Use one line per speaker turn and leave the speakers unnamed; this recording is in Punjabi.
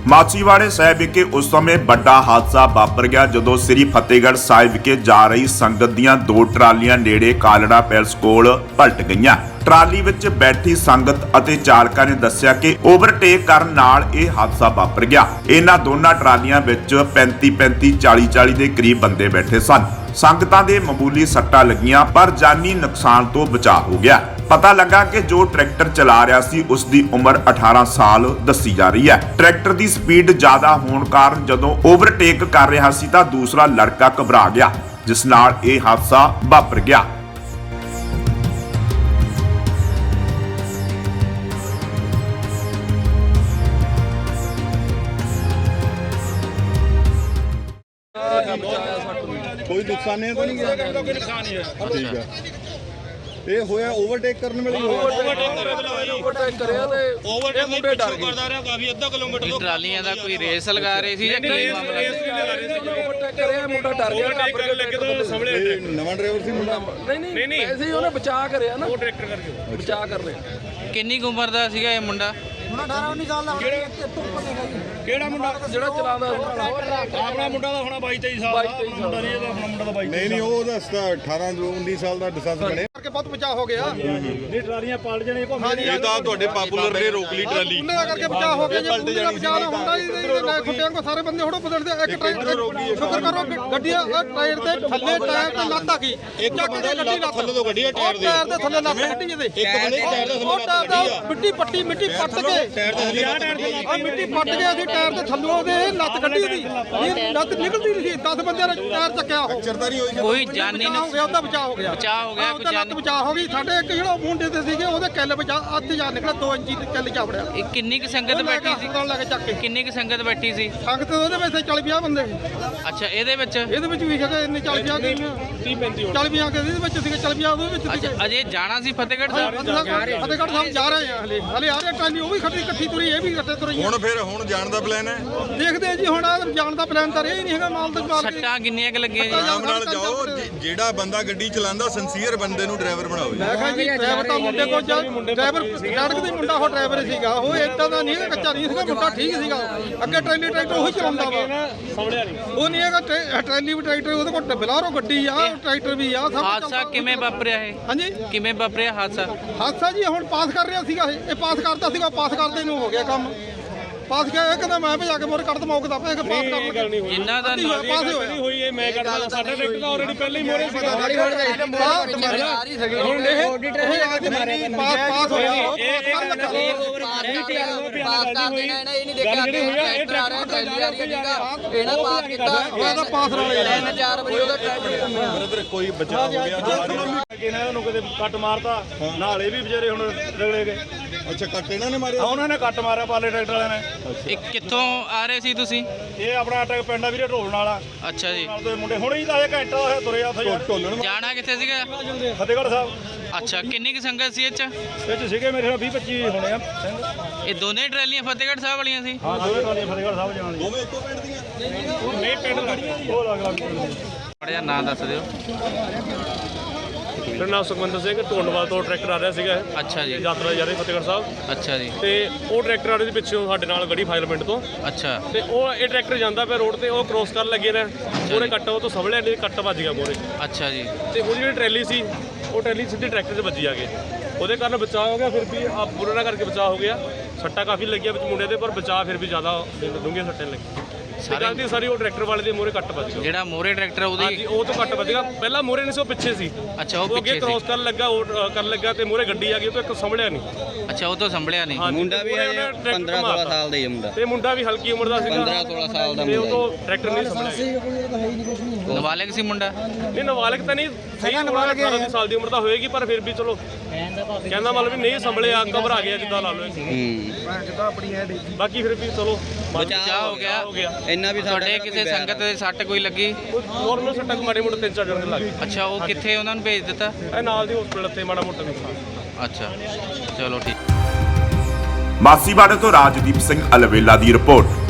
ਮਾਛੀਵਾੜੇ ਸਾਹਿਬ ਵਿਖੇ ਉਸ ਸਮੇਂ ਵੱਡਾ ਹਾਦਸਾ ਵਾਪਰ ਗਿਆ ਜਦੋਂ ਸ੍ਰੀ ਫਤਿਹਗੜ੍ਹ ਸਾਹਿਬ ਵਿਖੇ ਜਾ ਰਹੀ ਸੰਗਤ ਦੀਆਂ 2 ਟਰਾਲੀਆਂ ਨੇੜੇ ਕਾਲੜਾ ਪੈਲਸ ਕੋਲ ਪਲਟ ਗਈਆਂ। ਟਰਾਲੀ ਵਿੱਚ ਬੈਠੀ ਸੰਗਤ ਅਤੇ ਚਾਲਕਾਂ ਨੇ ਦੱਸਿਆ ਕਿ ਓਵਰਟੇਕ ਕਰਨ ਨਾਲ ਇਹ ਹਾਦਸਾ ਵਾਪਰ ਗਿਆ। ਇਹਨਾਂ ਦੋਨਾਂ ਟਰਾਲੀਆਂ ਵਿੱਚ 35 40 ਦੇ ਕਰੀਬ ਬੰਦੇ ਬੈਠੇ ਸਨ। ਸੰਗਤਾਂ ਦੇ ਮਾਮੂਲੀ ਸੱਟਾਂ ਲੱਗੀਆਂ ਪਰ ਜਾਨੀ ਨੁਕਸਾਨ ਤੋਂ ਬਚਾਅ ਹੋ ਗਿਆ। ਪਤਾ ਲੱਗਾ ਕਿ ਜੋ ਟਰੈਕਟਰ ਚਲਾ ਰਿਹਾ ਸੀ ਉਸ ਦੀ ਉਮਰ 18 ਸਾਲ ਦੱਸੀ ਜਾ ਰਹੀ ਹੈ। ਟਰੈਕਟਰ ਦੀ ਸਪੀਡ ਜ਼ਿਆਦਾ ਹੋਣ ਕਾਰਨ ਜਦੋਂ ਓਵਰਟੇਕ ਕਰ ਰਿਹਾ ਸੀ ਤਾਂ ਦੂਸਰਾ ਲੜਕਾ ਘਬਰਾ ਗਿਆ, ਜਿਸ ਨਾਲ ਇਹ ਹਾਦਸਾ ਵਾਪਰ ਗਿਆ।
कोई नुकसान तो नहीं गया? कोई नुकसान नहीं है। ठीक है। ये होया ओवरटेक करने में
ओवरटेक करिया ते ओवरटेक मुंडे डर गए करदा रहा काफी आधा किलोमीटर तो
ट्रालियां दा कोई रेस लगा रहे सी या की मामला
ओवरटेक करिया मुंडा डर गया
ओवरटेक करने लगे तो सामने नवा ड्राइवर सी मुंडा
नहीं ऐसे ही ਉਹਨੇ ਬਚਾ ਕਰਿਆ ਨਾ ਉਹ ਟਰੈਕਟਰ ਕਰਕੇ ਬਚਾ ਕਰ ਲਿਆ।
ਕਿੰਨੀ ਕੁ ਉਮਰ ਦਾ ਸੀਗਾ ਇਹ ਮੁੰਡਾ?
ਮੁੰਡਾ 18 19 ਸਾਲ ਦਾ
ਕਿਹੜਾ ਮੁੰਡਾ ਜਿਹੜਾ ਚਲਾਉਂਦਾ
ਆਪਣਾ ਮੁੰਡਾ ਦਾ ਹੋਣਾ 22 23 ਸਾਲ ਦਾ ਮੁੰਡਾ ਨਹੀਂ ਇਹਦਾ ਆਪਣਾ ਮੁੰਡਾ ਦਾ 22 ਨਹੀਂ ਉਹ ਦੱਸਦਾ 18 19 ਸਾਲ ਦਾ ਡਿਸੈਂਸ ਬਣੇ
ਕਰਕੇ ਬਹੁਤ ਬਚਾਅ ਹੋ ਗਿਆ।
ਇਹ ਟਰਾਲੀਆਂ ਪਲਟ ਜਣੇ ਇਹ ਤਾਂ ਤੁਹਾਡੇ ਪਾਪੂਲਰ ਨੇ ਰੋਕ ਲਈ ਟਰਾਲੀ
ਉਹਨਾਂ ਦਾ ਕਰਕੇ ਬਚਾਅ ਹੋ ਗਿਆ। ਜੇ ਉਹਨਾਂ ਦਾ ਬਚਾਅ ਨਾ ਹੁੰਦਾ ਇਹਦੇ ਖੁੱਟਿਆਂ ਕੋ ਸਾਰੇ ਬੰਦੇ ਹੋੜੋ ਬਦਲਦੇ। ਇੱਕ ਟਾਇਰ ਸ਼ੁਕਰ ਕਰੋ ਗੱਡੀਆਂ ਟਾਇਰ ਦੇ ਥੱਲੇ ਟਾਇਰ ਤੇ ਲੱਤ ਆ ਗਈ।
ਇੱਕ ਬੰਦੇ ਲੱਤ ਥੱਲੇ ਤੋਂ ਗੱਡੀ ਟਾਇਰ
ਦੇ ਥੱਲੇ ਲੱਤ ਕੱਢੀ ਇਹਦੇ
ਇੱਕ ਬੰਦੇ ਟਾਇਰ ਦੇ ਥੱਲੇ ਲੱਤ ਕੱਢੀ ਆ
ਮਿੱਟੀ ਪੱਟ ਕੇ
ਟਾਇਰ ਦੇ ਥੱਲੇ
ਆ ਮਿੱਟੀ ਪੱਟ ਕੇ ਅਸੀਂ ਟਾਇਰ ਦੇ ਥੱਲੋਂ ਉਹਦੇ ਲੱਤ ਕੱਢੀ ਉਹਦੀ। ਇਹ ਲੱਤ ਨਿਕਲਦੀ ਨਹੀਂ ਸੀ। 10 ਬੰਦਿਆਂ ਨੇ ਟਾਇਰ ਚੱਕਿਆ ਉਹ
ਚਰਦਾ ਨਹੀਂ ਹੋਈ
ਕੋਈ ਜਾਨੀ
ਹੋ ਗਿਆ। ਉਹਦਾ ਬਚਾਅ ਹੋ ਗਿਆ।
ਬਚਾਅ ਹੋ ਗਿਆ,
ਉਹਦਾ ਲੱਤ ਬਚਾਅ ਹੋ ਗਈ। ਸਾਡੇ ਇੱਕ ਜਿਹੜਾ ਮੁੰਡੇ ਤੇ ਸੀਗੇ ਉਹਦੇ ਕਿੱਲ ਬਚਾ ਅੱਧ ਜਾ ਨਿਕਲਿਆ 2 ਇੰਚੀ ਤੇ ਕਿੱਲ ਜਾ ਵੜਿਆ।
ਇਹ ਕਿੰਨੀ ਕੁ ਸੰਗਤ ਬੈਠੀ ਸੀ?
ਲੈ ਕੇ ਚੱਕ ਕੇ
ਕਿੰਨੀ ਕੁ ਸੰਗਤ ਬੈਠੀ ਸੀ?
ਸੰਗਤ ਉਹਦੇ ਵਿੱਚ 40 50 ਬੰਦੇ ਸੀ।
ਅੱਛਾ ਇਹਦੇ ਵਿੱਚ
ਇਹਦੇ ਵਿੱਚ ਵੀ ਹੈਗੇ ਇੰਨੇ 40 50 ਗਈਆਂ 30 35 40 50 ਇਹਦੇ ਵਿੱਚ ਸੀਗੇ 40 50 ਉਹਦੇ ਵਿੱਚ ਸੀਗੇ।
ਅੱਛਾ ਅਜੇ ਜਾਣਾ ਸੀ ਫਤਿਹਗੜ੍ਹ ਸਾਹਿਬ?
ਫਤਿਹਗੜ੍ਹ ਸਾਹਿਬ ਜਾ ਰਹੇ ਆ ਹਲੇ ਆ ਰਹੇ ਟਰਾਲੀ ਉਹ ਵੀ ਇਕੱਠੀ ਤੁਰੀ ਇਹ ਵੀ ਇਕੱਠੇ ਤੁਰੀ।
ਹੁਣ ਜਾਣ ਦਾ ਪਲਾਨ ਹੈ?
ਦੇਖਦੇ ਆ ਜੀ ਹੁਣ ਜਾਣ ਦਾ ਪਲਾਨ ਤਾਂ ਇਹ ਨਹੀਂ ਹੈਗਾ। ਮਾਲ ਦੇ ਬਾਅਦ
ਸੱਟਾਂ ਕਿੰਨੀਆਂ ਕੁ ਲੱਗੀਆਂ ਜੀ?
ਆਰਾਮ ਨਾਲ ਜਾਓ। ਜਿਹੜਾ ਬੰਦਾ ਗੱਡੀ ਚਲਾਉਂਦਾ ਸਿੰਸੀਅਰ ਬੰਦੇ ਨੂੰ ਡਰਾਈਵਰ ਬਣਾਓ।
ਮੈਂ ਕਿਹਾ ਜੀ ਡਰਾਈਵਰ ਤਾਂ ਮੁੰਡੇ ਕੋਲ ਡਰਾਈਵਰ ਸੜਕ ਦੇ ਮੁੰਡਾ ਉਹ ਡਰਾਈਵਰ ਸੀਗਾ। ਉਹ ਏਦਾਂ ਦਾ ਨਹੀਂ ਹੈਗਾ, ਕੱਚਾ ਨਹੀਂ ਸੀਗਾ ਮੁੰਡਾ, ਠੀਕ ਸੀਗਾ। ਅੱਗੇ ਟਰੈਕਟਰ ਉਹੀ ਚਲਾਉਂਦਾ ਵਾ। ਉਹ ਨਹੀਂ ਹੈਗਾ ਟਰੈਲੀ ਵੀ ਟਰੈਕਟਰ ਉਹਦੇ ਕੋਲ ਬਲਾਰੋ ਗੱਡੀ ਆ ਟਰੈਕਟਰ ਵੀ ਆ। ਸਭ
ਹਾਦਸਾ ਕਿਵੇਂ ਵਾਪਰਿਆ ਇਹ?
ਹਾਂਜੀ
ਕਿਵੇਂ ਵਾਪਰਿਆ ਹਾਦਸਾ?
ਹਾਦਸਾ ਜੀ ਹੁਣ ਪਾਸ ਕਰ ਰਿਹਾ ਸੀਗਾ। ਇਹ ਪਾਸ ਕਰਦਾ ਸੀਗਾ। ਪਾਸ ਕਰਦੇ ਨੂੰ ਹੋ ਗਿਆ ਕੰਮ। ਪਾਸ ਗਿਆ ਇਹ ਕਹਿੰਦਾ ਮੈਂ ਭਜਾ ਕੇ ਮੋਰ ਕੱਢ ਦਮੌਕਦਾ ਪਿਆ ਕਿ ਪਾਸ ਕਰ
ਜਿੰਨਾ ਦਾ
ਪਾਸ ਹੋਇਆ
ਹੋਈ ਇਹ ਮੈਂ ਕੱਢਦਾ। ਸਾਡਾ ਟਰੈਕਟਰ ਤਾਂ ਆਲਰੇਡੀ ਪਹਿਲਾਂ ਹੀ ਮੋਰੇ ਸੀਗਾ।
ਹੁਣ ਇਹ ਪਾਸ ਹੋਇਆ ਉਹ ਪਾਸ
ਬ੍ਰਦਰ ਕੋਈ ਬਚਾਅ ਹੋ ਗਿਆ। ਇਹਨਾਂ ਨੂੰ ਕਦੇ ਕੱਟ ਮਾਰਤਾ ਨਾਲੇ ਵੀ ਵਿਚਾਰੇ ਹੁਣ ਰਗੜੇ ਗਏ। ਅੱਛਾ ਕੱਟ ਇਹਨਾਂ ਨੇ ਮਾਰਿਆ? ਉਹਨਾਂ ਨੇ ਕੱਟ ਮਾਰਿਆ ਪਾਲੇ ਟਰੈਕਟਰ ਵਾਲਿਆਂ ਨੇ।
ਇਹ ਕਿੱਥੋਂ ਆ ਰਹੇ ਸੀ ਤੁਸੀਂ?
ਇਹ ਆਪਣਾ ਅਟਕ ਪਿੰਡ ਆ ਵੀਰੇ ਢੋਲਣ ਵਾਲਾ।
ਅੱਛਾ ਜੀ।
ਨਾਲ ਦੇ ਮੁੰਡੇ ਹੁਣੇ ਹੀ ਤਾਂ ਇਹ ਘੰਟਾ ਹੋਇਆ ਤੁਰੇ ਆ ਉੱਥੇ ਢੋਲਣ।
ਜਾਣਾ ਕਿੱਥੇ ਸੀਗਾ?
ਫਤਿਹਗੜ੍ਹ ਸਾਹਿਬ।
ਅੱਛਾ ਕਿੰਨੀ ਕੁ ਸੰਗਤ ਸੀ ਇਹ ਚ?
ਇਹ ਚ ਸੀਗੇ ਮੇਰੇ 20 25 ਹੋਣੇ ਆ ਸਿੰਘ।
ਇਹ ਦੋਨੇ ਟਰਾਲੀਆਂ ਫਤਿਹਗੜ੍ਹ ਸਾਹਿਬ ਵਾਲੀਆਂ ਸੀ?
ਹਾਂ ਦੋਵੇਂ ਟਰਾਲੀਆਂ ਫਤਿਹਗੜ੍ਹ ਸਾਹਿਬ ਜਾਣ ਦੀ। ਦੋਵੇਂ ਇੱਕੋ ਪਿੰਡ ਦੀਆਂ? ਨਹੀਂ ਪਿੰਡ ਲੜੀਆਂ ਉਹ ਲੱਗ ਲੱਗ।
ਬੜਿਆ ਨਾਂ ਦੱਸ ਦਿਓ।
ਮੇਰਾ ਨਾਮ ਸੁਖਵਿੰਦਰ ਸਿੰਘ ਢੋਂਡਵਾਲ ਤੋਂ ਟਰੈਕਟਰ ਆ ਰਿਹਾ ਸੀਗਾ।
ਅੱਛਾ ਜੀ।
ਯਾਤਰਾ ਜਾ ਰਹੀ ਫਤਿਹਗੜ੍ਹ ਸਾਹਿਬ।
ਅੱਛਾ ਜੀ।
ਤੇ ਉਹ ਟਰੈਕਟਰ ਆ ਰਿਹਾ ਸੀ ਪਿੱਛੋਂ ਸਾਡੇ ਨਾਲ ਗੜੀ ਫਾਜ਼ਿਲਪਿੰਡ ਤੋਂ।
ਅੱਛਾ
ਤੇ ਉਹ ਇਹ ਟਰੈਕਟਰ ਜਾਂਦਾ ਪਿਆ ਰੋਡ ਤੇ ਉਹ ਕ੍ਰੋਸ ਕਰਨ ਲੱਗੇ ਨੇ। ਉਹਨੇ ਕੱਟ ਉਹ ਤੋਂ ਸਵਲਿਆ ਨਹੀਂ ਕੱਟ ਵੱਜ ਗਿਆ ਮੋਰੇ।
ਅੱਛਾ ਜੀ।
ਤੇ ਉਹਦੀ ਜਿਹੜੀ ਟਰੈਲੀ ਸੀ ਉਹ ਟਰੈਲੀ ਸਿੱਧੀ ਟਰੈਕਟਰ 'ਚ ਵੱਜੀ ਆ ਕੇ। ਉਹਦੇ ਕਾਰਨ ਬਚਾਅ ਹੋ ਗਿਆ। ਫਿਰ ਵੀ ਆ ਬੁਰਾ ਨਾ ਕਰਕੇ ਬਚਾਅ ਹੋ ਗਿਆ। ਸੱਟਾਂ ਕਾਫੀ ਲੱਗੀਆਂ ਵਿੱਚ ਮੁੰਡੇ ਦੇ ਪਰ ਬਚਾਅ ਫਿਰ ਵੀ ਜ਼ਿਆਦਾ ਡੂੰਘੀਆਂ ਸੱਟਾਂ ਲੱਗੀਆਂ। ਸਾਰੀ ਉਹ ਟਰੈਕਟਰ ਵਾਲੇ ਦੇ ਮੋਰੇ ਕੱਟ ਵੱਜ ਗਿਆ।
ਜਿਹੜਾ ਮੋਰੇ ਟਰੈਕਟਰ ਉਹਦੀ?
ਹਾਂਜੀ ਉਹ ਤੋਂ ਕੱਟ ਵੱਜ ਗਿਆ। ਪਹਿਲਾਂ ਮੋਰੇ ਨਹੀਂ ਸੀ ਉਹ ਪਿੱਛੇ ਸੀ।
ਅੱਛਾ ਉਹ
ਉਹ ਅੱਗੇ
ਪਿੱਛੇ
ਕ੍ਰੋਸ
ਸੀ।
ਕਰਨ ਲੱਗਾ ਉਹ ਕਰਨ ਲੱਗਾ ਤੇ ਮੋਰੇ ਗੱਡੀ ਆ ਗਈ ਉਹ ਤੋਂ ਇੱਕ ਸੰਭਲਿਆ ਨਹੀਂ।
ਅੱਛਾ ਉਹ ਤੋਂ ਸੰਭਲਿਆ ਨਹੀਂ।
ਮੁੰਡਾ ਵੀ 15 16 ਸਾਲ ਦਾ ਹੀ ਮੁੰਡਾ।
ਤੇ ਮੁੰਡਾ ਵੀ ਹਲਕੀ ਉਮਰ ਦਾ ਸੀਗਾ।
15 16 ਸਾਲ ਦਾ
ਤੇ ਉਹ
ਮੁੰਡਾ।
ਤੋਂ ਟਰੈਕਟਰ ਨਹੀਂ ਸੰਭਲਿਆ।
ਨਾਬਾਲਗ ਸੀ ਮੁੰਡਾ?
ਨਹੀਂ ਨਾਬਾਲਗ ਤਾਂ ਨਹੀਂ ਸਹੀ 18 ਸਾਲ ਦੀ ਉਮਰ ਦਾ ਹੋਏਗੀ ਪਰ ਫਿਰ ਵੀ ਚਲੋ ਕਹਿੰਦਾ ਮਤਲਬ ਵੀ ਨਹੀਂ ਸੰਭਲਿਆ ਘਬਰਾ ਗਿਆ ਜਿੱਦਾਂ ਲਾ ਲਓ। ਬਾਕੀ ਫਿਰ ਵੀ ਚਲੋ
ਬਚਾਅ ਹੋ ਗਿਆ।
ਇੰਨਾ ਵੀ
ਤੁਹਾਡੇ ਕਿਸੇ ਸੰਗਤ ਦੇ ਸੱਟ ਕੋਈ ਲੱਗੀ?
ਨੋਰਮਲ ਸੱਟਾਂ ਮਾੜੇ ਮੋਟੇ 3-4 ਜਣੇ ਲੱਗ ਗਏ।
ਅੱਛਾ ਉਹ ਕਿੱਥੇ ਉਹਨਾਂ ਨੂੰ ਭੇਜ ਦਿੱਤਾ?
ਇਹ ਨਾਲ ਦੀ ਹਸਪੀਟਲ ਤੇ ਮਾੜਾ ਮੋਟਾ ਨੁਕਸਾਨ।
ਅੱਛਾ ਚਲੋ ਠੀਕ। ਮਾਸੀਵਾੜੇ ਤੋਂ ਰਾਜਦੀਪ ਸਿੰਘ ਅਲਵੇਲਾ ਦੀ ਰਿਪੋਰਟ।